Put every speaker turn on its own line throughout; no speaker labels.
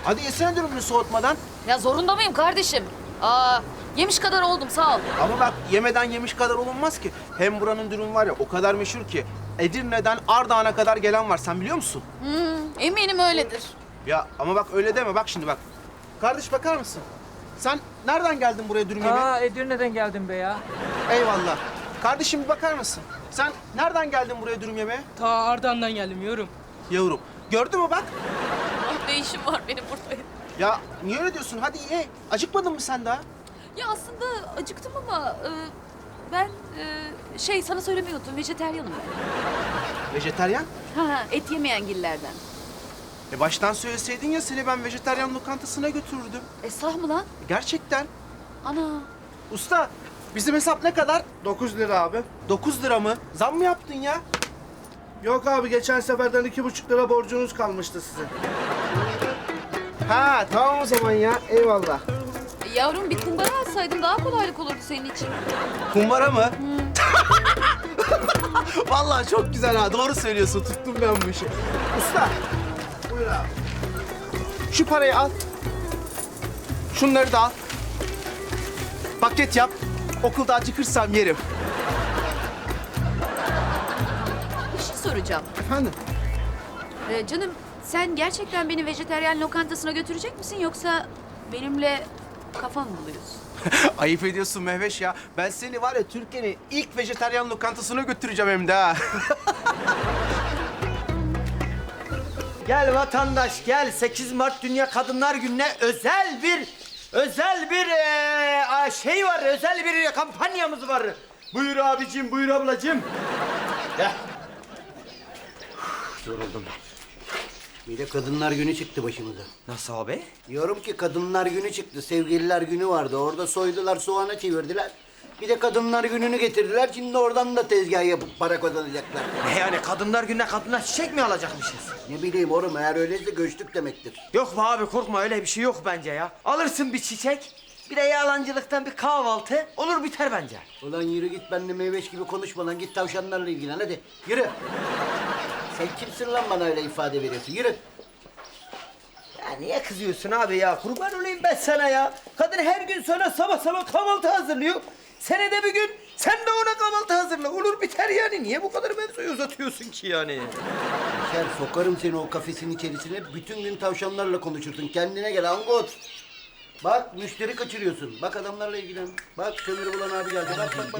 Hadi yesene dürümünü soğutmadan.
Ya zorunda mıyım kardeşim? Aa, yemiş kadar oldum sağ ol.
Ama bak yemeden yemiş kadar olunmaz ki. Hem buranın dürüm var ya o kadar meşhur ki. Edirne'den Ardahan'a kadar gelen var. Sen biliyor musun?
Eminim öyledir.
Ya ama bak öyle deme. Bak şimdi bak. Kardeş bakar mısın? Sen nereden geldin buraya dürüm yemeye?
Aa, Edirne'den geldim be ya.
Eyvallah. Kardeşim bir bakar mısın? Sen nereden geldin buraya dürüm yemeye?
Ta Ardahan'dan geldim yorum.
Yavrum. Gördün mü bak?
Ah, ne işim var benim burada?
Ya niye öyle diyorsun? Hadi ye. Acıkmadın mı sen daha?
Ya aslında acıktım ama ben sana söylemeyi unuttum. Vejeteryanım ben.
Vejetaryen?
Ha, et yemeyen gillerden.
Baştan söyleseydin ya seni ben vejetaryen lokantasına götürürdüm.
Sah mı lan?
Gerçekten.
Ana.
Usta bizim hesap ne kadar?
9 lira abi.
9 lira mı? Zam mı yaptın ya?
Yok abi geçen seferden 2,5 lira borcunuz kalmıştı size.
Ha tamam o zaman ya. Eyvallah.
Yavrum bir kumbara alsaydın daha kolaylık olurdu senin için.
Kumbara mı? Vallahi çok güzel ha. Doğru söylüyorsun. Tuttum ben bu işi. Usta. Buyur abi. Şu parayı al. Şunları da al. Paket yap. Okulda acıkırsam yerim.
Bir şey soracağım.
Efendim?
Canım sen gerçekten beni vejeteryan lokantasına götürecek misin yoksa benimle kafa mı buluyorsun?
Ayıp ediyorsun Mehveş ya. Ben seni var ya Türkiye'nin ilk vejetaryen lokantasına götüreceğim hem de ha.
Gel vatandaş gel. 8 Mart Dünya Kadınlar Günü'ne özel bir şey var. Özel bir kampanyamız var. Buyur abicim, buyur ablacığım. Gel. Yoruldum ben.
Bir de Kadınlar Günü çıktı başımıza.
Nasıl abi?
Diyorum ki Kadınlar Günü çıktı. Sevgililer Günü vardı. Orada soydular, soğana çevirdiler. Bir de Kadınlar Günü'nü getirdiler. Şimdi oradan da tezgah yapıp para kazanacaklar.
Ne yani Kadınlar Günü'ne kadına çiçek mi alacakmışız?
Ne bileyim oğlum, eğer öyleyse göçtük demektir.
Yok be abi korkma öyle bir şey yok bence ya. Alırsın bir çiçek, bir de yalancılıktan bir kahvaltı olur biter bence.
Ulan yürü git, benimle meyveş gibi konuşma lan. Git tavşanlarla ilgilen hadi. Yürü. Sen kimsin lan bana öyle ifade veriyorsun? Yürü.
Ya niye kızıyorsun abi ya? Kurban olayım ben sana ya. Kadın her gün sana sabah sabah kahvaltı hazırlıyor. Senede bir gün sen de ona kahvaltı hazırla. Olur biter yani. Niye bu kadar mevzuyu uzatıyorsun ki yani?
Şer, sokarım seni o kafesin içerisine. Bütün gün tavşanlarla konuşursun. Kendine gel angot. Bak müşteri kaçırıyorsun. Bak adamlarla ilgilen. Bak kömür bulan abi geldi. Bak.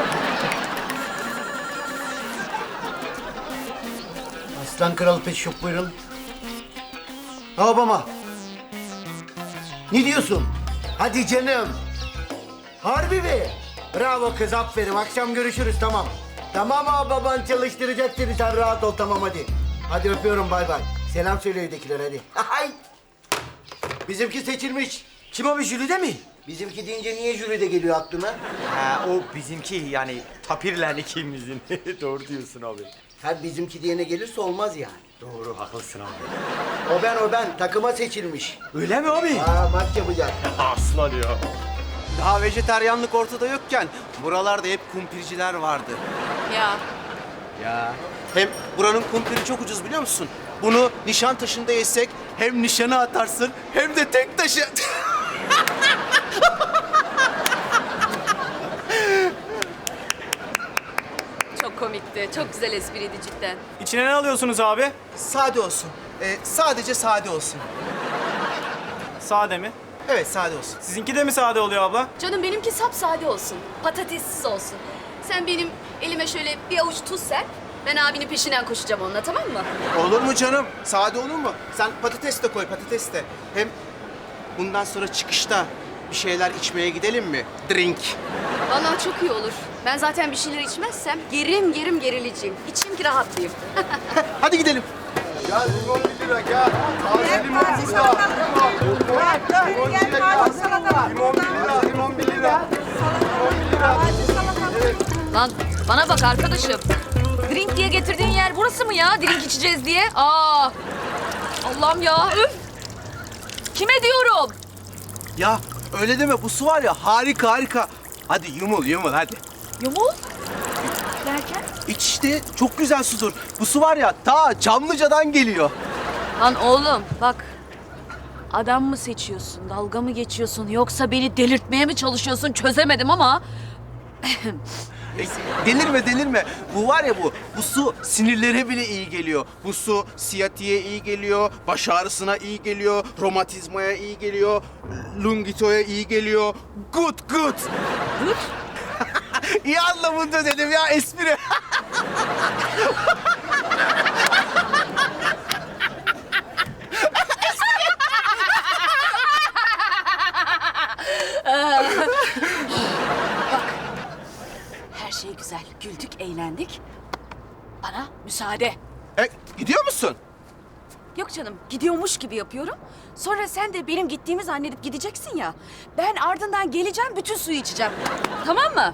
Aslan Kral Pet Shop buyurun. Babama. Ne diyorsun? Hadi canım. Harbi mi? Bravo kız, aferin. Akşam görüşürüz, tamam. Tamam abi, baban çalıştıracak seni. Sen rahat ol, tamam hadi. Hadi öpüyorum, bay bay. Selam söyle evdekilere hadi. Ay! Bizimki seçilmiş.
Kim o bir jüride mi?
Bizimki deyince niye jüride geliyor aklına?
Ha o bizimki yani tapirlen ikimizin. Doğru diyorsun abi.
Her bizimki diyene gelirse olmaz yani.
Doğru haklısın abi.
O ben. Takıma seçilmiş.
Öyle mi abi?
Maç yapacak.
Aslan ya.
Daha vejetaryenlik ortada yokken buralarda hep kumpirciler vardı.
Ya.
Ya. Hem buranın kumpiri çok ucuz biliyor musun? Bunu Nişantaşı'nda yesek hem nişana atarsın hem de tek taşı...
Çok komikti. Çok güzel espriydi cidden.
İçine ne alıyorsunuz abi?
Sade olsun. Sadece sade olsun.
Sade mi?
Evet sade olsun.
Sizinki de mi sade oluyor abla?
Canım benimki sapsade olsun. Patatessiz olsun. Sen benim elime şöyle bir avuç tuz ser. Ben abinin peşinden koşacağım onunla, tamam mı?
Olur mu canım? Sade olur mu? Sen patates de koy, patates de. Hem bundan sonra çıkışta bir şeyler içmeye gidelim mi? Drink.
Vallahi çok iyi olur. Ben zaten bir şeyler içmezsem gerim gerileceğim. İçeyim ki rahatlayayım.
Hadi gidelim.
Ya limon 1 lira ya. Taze limon burada. Limon 1 lira.
Lan bana bak arkadaşım. Drink diye getirdiğin yer burası mı ya? Drink içeceğiz diye. Allah'ım ya. Üf. Kime diyorum?
Ya öyle deme, bu su var ya harika. Hadi yumul hadi.
Yumul. Derken?
İç işte, çok güzel sudur. Bu su var ya ta Çamlıca'dan geliyor.
Lan oğlum bak. Adam mı seçiyorsun, dalga mı geçiyorsun yoksa beni delirtmeye mi çalışıyorsun çözemedim ama...
Delirme. Bu var ya bu su sinirlere bile iyi geliyor. Bu su siyatiğe iyi geliyor, baş ağrısına iyi geliyor, romatizmaya iyi geliyor, lungitoya iyi geliyor. Good.
Good.
İyi anlamında dedim ya, espri.
Her şey güzel, güldük, eğlendik. Bana müsaade.
Gidiyor musun?
Yok canım, gidiyormuş gibi yapıyorum. Sonra sen de benim gittiğimi zannedip gideceksin ya. Ben ardından geleceğim, bütün suyu içeceğim. Tamam mı?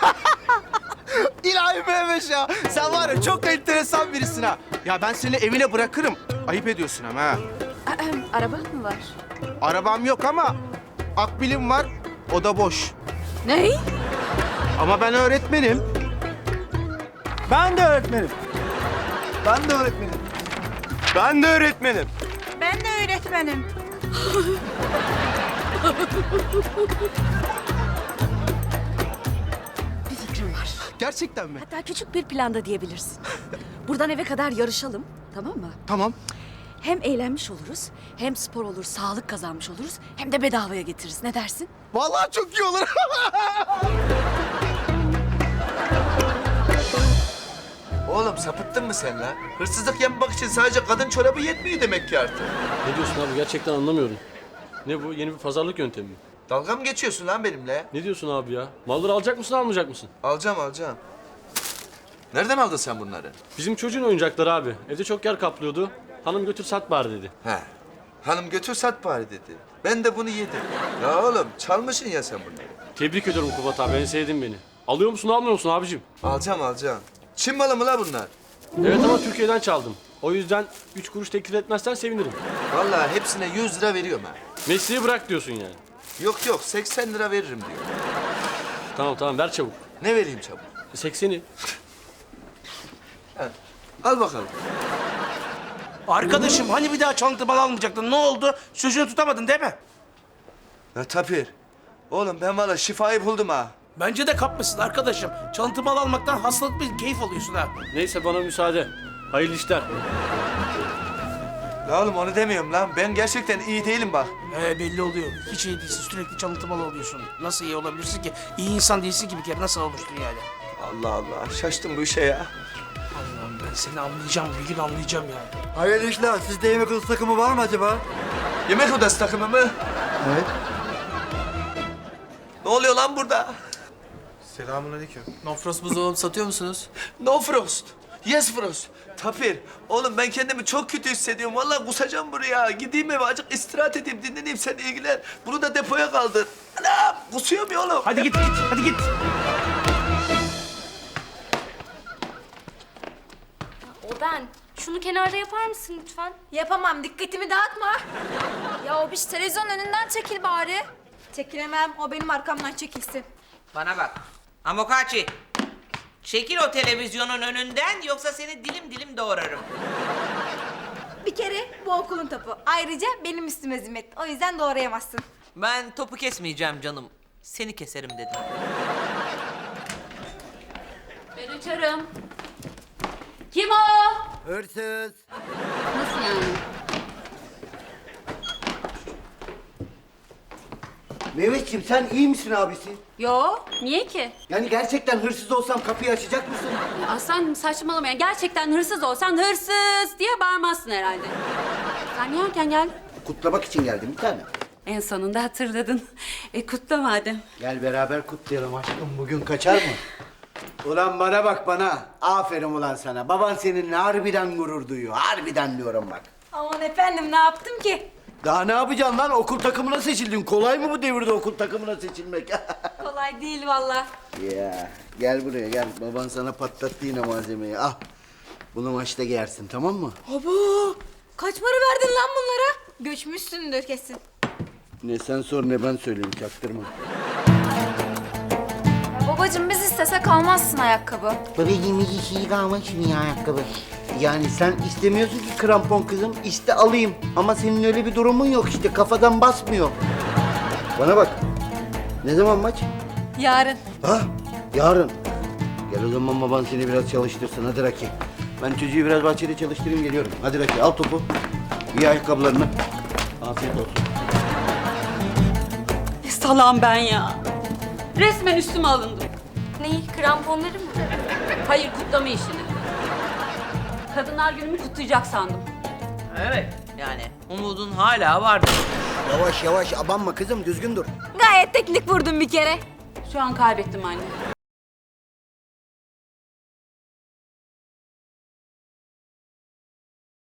İlahi Mehmet ya. Sen var ya çok enteresan birisin ha. Ya ben seni evine bırakırım. Ayıp ediyorsun ama ha.
Araba mı var?
Arabam yok ama akbilim var. O da boş.
Ne?
Ama ben öğretmenim. Ben de öğretmenim. Ben de öğretmenim. Ben de öğretmenim.
Ben de öğretmenim.
Bir fikrim var.
Gerçekten mi?
Hatta küçük bir planda diyebilirsin. Buradan eve kadar yarışalım, tamam mı?
Tamam.
Hem eğlenmiş oluruz, hem spor olur, sağlık kazanmış oluruz, hem de bedavaya getiririz. Ne dersin?
Vallahi çok iyi olur.
Oğlum sapıttın mı sen lan? Hırsızlık yapmak için sadece kadın çorabı yetmiyor demek ki artık.
Ne diyorsun abi? Gerçekten anlamıyorum. Ne bu? Yeni bir pazarlık yöntemi mi?
Dalga mı geçiyorsun lan benimle?
Ne diyorsun abi ya? Malları alacak mısın, almayacak mısın?
Alacağım. Nereden aldın sen bunları?
Bizim çocuğun oyuncakları abi. Evde çok yer kaplıyordu. Hanım götür sat bari dedi.
He. Hanım götür sat bari dedi. Ben de bunu yedim. Ya oğlum çalmışsın ya sen bunları.
Tebrik ediyorum Kubat abi. En sevdin beni. Alıyor musun, almıyor musun abicim?
Alacağım. Çin malı mı la bunlar?
Evet ama Türkiye'den çaldım. O yüzden 3 kuruş teklif etmezsen sevinirim.
Vallahi hepsine 100 lira veriyorum ha.
Mesleği bırak diyorsun yani.
Yok 80 lira veririm diyor.
Tamam ver çabuk.
Ne vereyim çabuk?
80'i.
Al bakalım.
Arkadaşım hani bir daha çalıntı mal almayacaktın? Ne oldu? Sözünü tutamadın değil mi?
Ya Tapir. Oğlum ben valla şifayı buldum ha.
Bence de kapmışsın arkadaşım. Çalıntı mal almaktan hastalık bir keyif alıyorsun ha.
Neyse bana müsaade. Hayırlı işler.
La oğlum onu demiyorum lan. Ben gerçekten iyi değilim bak.
Belli oluyor. Hiç iyi değilsin. Sürekli çalıntı mal oluyorsun. Nasıl iyi olabilirsin ki? İyi insan değilsin ki bir kere. Nasıl olmuştun yani?
Allah. Şaştım bu işe ya.
Allah'ım ben seni anlayacağım. Bir gün anlayacağım ya.
Hayırlı işler. Sizde yemek odası takımı var mı acaba?
Yemek odası takımı mı?
Evet.
Ne oluyor lan burada?
Selamünaleyküm.
Nofros buzdolabı satıyor musunuz?
No Frost. Yes Frost. Tapir. Oğlum ben kendimi çok kötü hissediyorum. Vallahi kusacağım buraya. Gideyim eve azıcık istirahat edeyim, dinleneyim, sen ilgilen. Bunu da depoya kaldır. Anam kusuyorum ya oğlum.
Hadi git.
O ben. Şunu kenarda yapar mısın lütfen?
Yapamam, dikkatimi dağıtma.
Ya o bir televizyon önünden çekil bari. Çekilemem. O benim arkamdan çekilsin.
Bana bak. Amokachi. Çekil o televizyonun önünden yoksa seni dilim dilim doğrarım.
Bir kere bu okulun topu. Ayrıca benim üstüme zimmet. O yüzden doğrayamazsın.
Ben topu kesmeyeceğim canım. Seni keserim dedim.
Ben açarım. Kim o?
Hırsız.
Nasıl yani?
Mehmetciğim sen iyi misin abisi?
Yo, niye ki?
Yani gerçekten hırsız olsam kapıyı açacak mısın?
Aslan saçmalama ya. Gerçekten hırsız olsan hırsız diye bağırmazsın herhalde. Sen niye erken geldin?
Kutlamak için geldim bir tane.
En sonunda hatırladın. Kutla madem.
Gel beraber kutlayalım aşkım. Bugün kaçar mı? Ulan bana bak bana. Aferin ulan sana. Baban seninle harbiden gurur duyuyor. Harbiden diyorum bak.
Aman efendim ne yaptım ki?
Daha ne yapacaksın lan? Okul takımına seçildin. Kolay mı bu devirde okul takımına seçilmek?
Kolay değil valla.
Ya gel buraya gel. Baban sana patlattı yine malzemeyi. Al. Bunu maçta giyersin tamam mı?
Abo! Kaç para verdin lan bunlara? Göçmüşsündür kesin.
Ne sen sor ne ben söyleyeyim çaktırma.
Baba Babacığım biz istesek almazsın ayakkabı.
Babacığım hiç şey kalmış mı ya ayakkabı? Yani sen istemiyorsun ki krampon kızım. İste alayım. Ama senin öyle bir durumun yok işte. Kafadan basmıyor. Bana bak. Ne zaman maç?
Yarın.
Ha? Yarın. Gel o zaman baban seni biraz çalıştırsın. Hadi Raki. Ben çocuğu biraz bahçede çalıştırayım geliyorum. Hadi Raki al topu. Giy ayakkabılarını. Afiyet olsun.
Ne salam ben ya. Resmen üstüme alındım.
Neyi? Kramponları mı?
Hayır, kutlama işini. Kadınlar Günü'nü kutlayacak sandım.
Evet. Yani umudun hala vardı.
Yavaş yavaş abanma kızım düzgün dur.
Gayet teknik vurdun bir kere.
Şu an kaybettim anne.